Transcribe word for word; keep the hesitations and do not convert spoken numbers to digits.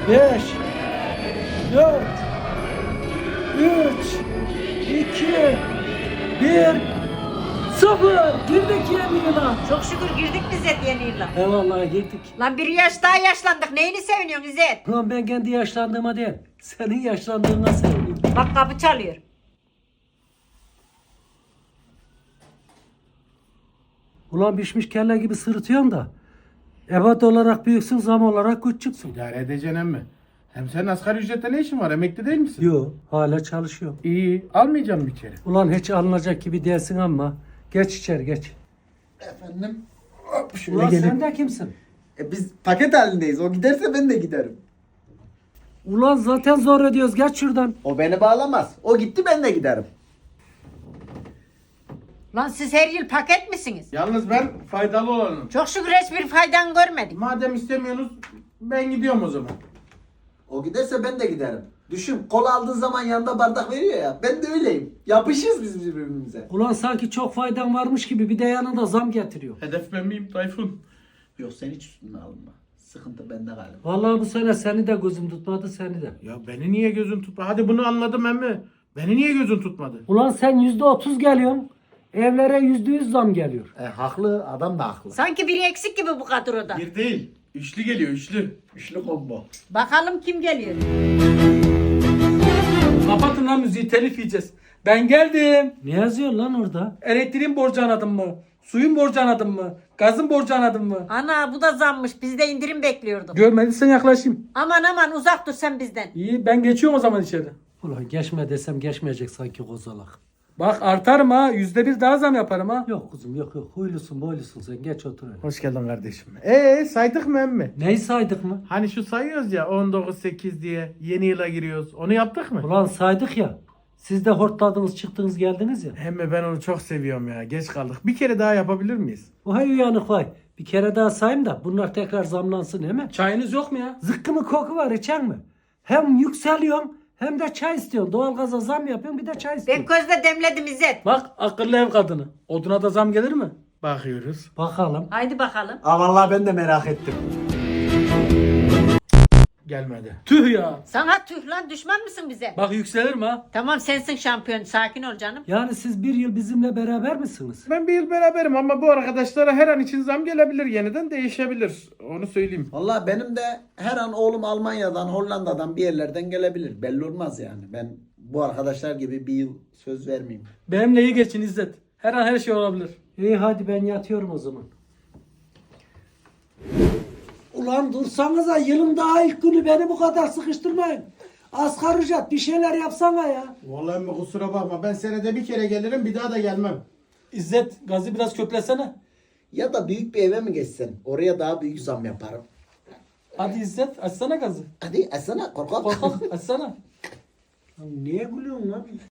beş, dört, üç, iki, bir, sıfır. Girdik yeni yıla. Çok şükür girdik İzzet yeni yıla. Eyvallah girdik. Lan bir yaş daha yaşlandık. Neyini seviniyorsun İzzet? Ulan ben kendi yaşlandığıma değil, senin yaşlandığına seviniyorum. Bak kapı çalıyor. Ulan pişmiş kelle gibi sırıtıyorsun da. Ebat olarak büyüksün, zam olarak küçüksün. İdare edeceksin emmi. Hem senin asgari ücrette ne işin var? Emekli değil misin? Yo, hala çalışıyorum. İyi. Almayacağım bir kere. Ulan hiç alınacak gibi değilsin ama. Geç içeri geç. Efendim? Hop, şöyle Ulan gelip- sen de kimsin? E, biz paket halindeyiz. O giderse ben de giderim. Ulan zaten zor ediyoruz. Geç şuradan. O beni bağlamaz. O gitti ben de giderim. Lan siz her yıl paket misiniz? Yalnız ben faydalı olanım. Çok şükür hiçbir faydan görmedim. Madem istemiyorsunuz ben gidiyorum o zaman. O giderse ben de giderim. Düşün, kola aldığın zaman yanında bardak veriyor ya. Ben de öyleyim. Yapışırız biz birbirimize. Ulan sanki çok faydan varmış gibi bir de yanında zam getiriyor. Hedef ben miyim Tayfun? Yok, sen hiç üstüne alınma. Sıkıntı bende galiba. Vallahi bu sene seni de gözüm tutmadı seni de. Ya beni niye gözün tutmadı? Hadi bunu anladım emmi. Beni niye gözün tutmadı? Ulan sen yüzde otuz geliyorsun. Evlere yüzde yüz zam geliyor. E, haklı, adam da haklı. Sanki biri eksik gibi bu kadroda. Bir değil. Üçlü geliyor üçlü. Üçlü combo. Bakalım kim geliyor? Kapatın lan müziği, telif yiyeceğiz. Ben geldim. Ne yazıyor lan orada? Elektriğin borcu anladın mı? Suyun borcu anladın mı? Gazın borcu anladın mı? Ana bu da zammış. Biz de indirim bekliyorduk. Görmediysen yaklaşayım. Aman aman uzak dur sen bizden. İyi, ben geçiyorum o zaman içeri. Ulan geçme desem geçmeyecek sanki kozalak. Bak artarım ha. Yüzde bir daha zam yaparım ha. Yok kuzum yok yok. Huylusun boylusun sen. Geç otur öyle. Hoş geldin kardeşim. Eee saydık mı emmi? Neyi saydık mı? Hani şu sayıyoruz ya on dokuz sekiz diye yeni yıla giriyoruz. Onu yaptık mı? Ulan saydık ya. Siz de hortladınız çıktınız geldiniz ya. Emmi ben onu çok seviyorum ya. Geç kaldık. Bir kere daha yapabilir miyiz? Vay uyanık vay. Bir kere daha sayayım da bunlar tekrar zamlansın değil mi? Çayınız yok mu ya? Zıkkımı koku var içer mi? Hem yükseliyorsun hem de çay istiyorsun. Doğalgaza zam yapıyorsun bir de çay Ben istiyorsun. közde demledim İzzet. Bak akıllı ev kadını. Oduna da zam gelir mi? Bakıyoruz. Bakalım. Haydi bakalım. Aa, vallahi ben de merak ettim. Gelmedi. Tüh ya. Sana tüh lan düşman mısın bize? Bak yükselir mi ha? Tamam sensin şampiyon. Sakin ol canım. Yani siz bir yıl bizimle beraber misiniz? Ben bir yıl beraberim ama bu arkadaşlara her an için zam gelebilir. Yeniden değişebilir. Onu söyleyeyim. Vallahi benim de her an oğlum Almanya'dan, Hollanda'dan bir yerlerden gelebilir. Belli olmaz yani. Ben bu arkadaşlar gibi bir yıl söz vermeyeyim. Benimle iyi geçin İzzet. Her an her şey olabilir. İyi hadi ben yatıyorum o zaman. Ulan dursanıza yılın daha ilk günü beni bu kadar sıkıştırmayın. Asgari ücret bir şeyler yapsana ya. Vallahi emmi kusura bakma. Ben senede bir kere gelirim bir daha da gelmem. İzzet gazı biraz köklesene. Ya da büyük bir eve mi geçsen? Oraya daha büyük zam yaparım. Hadi İzzet açsana gazı. Hadi açsana korkak. Korkak açsana. Niye gülüyorsun lan?